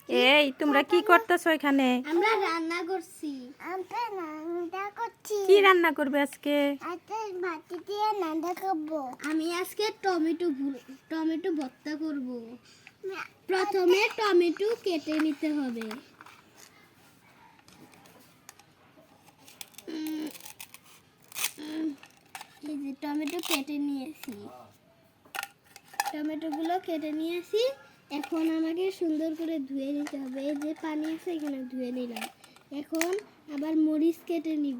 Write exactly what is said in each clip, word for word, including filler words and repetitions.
এই তোমরা কি করতেছো এখানে? আমরা রান্না করছি। আমরা রান্না করছি। কি রান্না করবে আজকে? আজকে ভাত দিয়ে রান্না করব। আমি আজকে টমেটো টমেটো ভর্তা করব। প্রথমে টমেটো কেটে নিতে হবে। এই যে টমেটো কেটে নিয়েছি। টমেটোগুলো কেটে নিয়েছি। এখন আমাকে সুন্দর করে ধুয়ে নিতে হবে। এই যে পানি আছে এখানে ধুয়ে নিলাম। এখন আবার মরিচ কেটে নিব।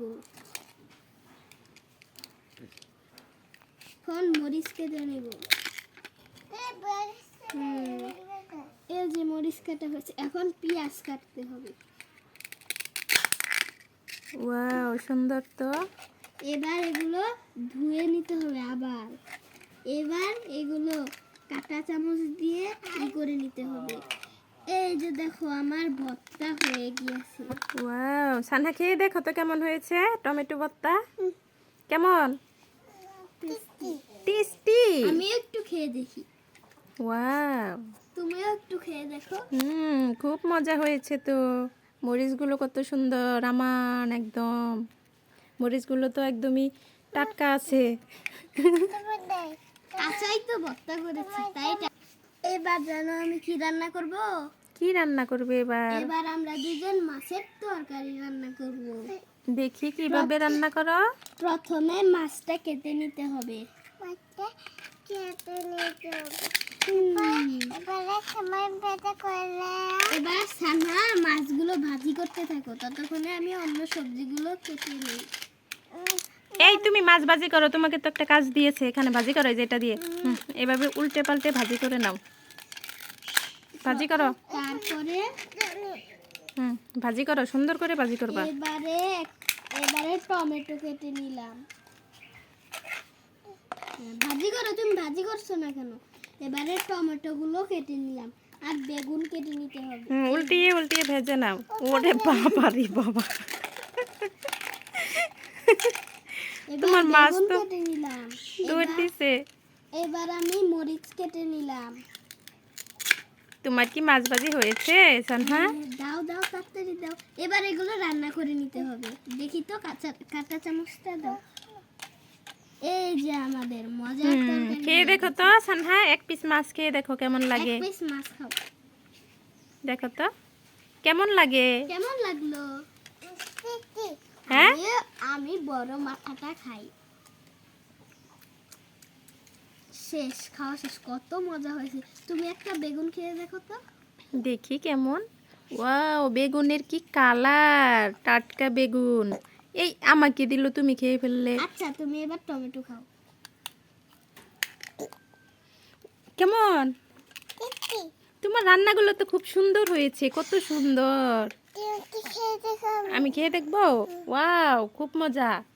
এখন মরিচ কেটে নিব। এই যে মরিচ কাটা হয়েছে। এখন পেঁয়াজ কাটতে হবে। ওয়াও, সুন্দর তো। এবার এগুলো ধুয়ে নিতে হবে আবার। এবার এগুলো কাঁটা চামচ দিয়ে ই করে নিতে হবে। এই যে দেখো আমার ভর্তা হয়ে গিয়েছে। ওয়াও, সানহা খেয়ে দেখো তো কেমন হয়েছে টমেটো ভর্তা। কেমন? টেস্টি। আমি একটু খেয়ে দেখি। ওয়াও, তুমিও একটু খেয়ে দেখো। হুম, খুব মজা হয়েছে তো। মরিচগুলো কত সুন্দর, আমান একদম। মরিচগুলো তো একদমই টাটকা আছে। কাঁচাই তো ভর্তা করেছি তাই। এবার জানো আমি কি রান্না করব? কি রান্না করবে এবার? এবার আমরা দুজন মাছের তরকারি রান্না করব। দেখি কিভাবে রান্না করো। প্রথমে মাছটা কেটে নিতে হবে। মাছটা কেটে নিতে হবে। এবারে সময় বেঁধে করলে এবার সানা মাছগুলো ভাজি করতে থাকো, ততক্ষণে আমি অন্য সবজিগুলো কেটে নিই। এই তুমি মাছ ভাজি করো, তোমাকে তো একটা কাজ দিয়েছে, এখানে ভাজি করো যেটা দিয়ে। হুম, এভাবে উল্টে পাল্টে ভাজি করে নাও। ভাজি করো। তারপরে হুম, ভাজি করো, সুন্দর করে ভাজি করবা। এবারে এবারে টমেটো কেটে নিলাম। ভাজি করো, তুমি ভাজি করছো না কেন? এবারে টমেটোগুলো কেটে নিলাম আর বেগুন কেটে নিতে হবে। হুম, উল্টিয়ে উল্টিয়ে ভেজে নাও। ওরে বাবা রে বাবা, তোমার মাছ তো কেটে নিলাম। দৌড় দিছে। এবার আমি মরিচ কেটে নিলাম। তোমার কি মাছ ভাজি হয়েছে সানহা? দাও দাও তাড়াতাড়ি দাও। এবার এগুলো রান্না করে নিতে হবে। দেখি তো কাঁচা কাঁটা চামচটা দাও। এই যে আমাদের মজার তরকারি। খেয়ে দেখো তো সানহা, এক পিস মাছ খেয়ে দেখো কেমন লাগে। এক পিস মাছ খাও। দেখো তো কেমন লাগে। কেমন লাগলো? হ্যাঁ, আমি বড় মাথাটা খাই। শেষ, খাওয়া শেষ। কত মজা হয়েছে। তুমি একটা বেগুন খেয়ে দেখো তো। দেখি কেমন। ওয়াও, বেগুনের কি কালার, টাটকা বেগুন। এই আমাকে দিল, তুমি খেয়ে ফেললে। আচ্ছা তুমি এবার টমেটো খাও। কেমন? তোমার রান্নাগুলো তো খুব সুন্দর হয়েছে, কত সুন্দর। আমি খেয়ে দেখবো। ওয়াও, খুব মজা।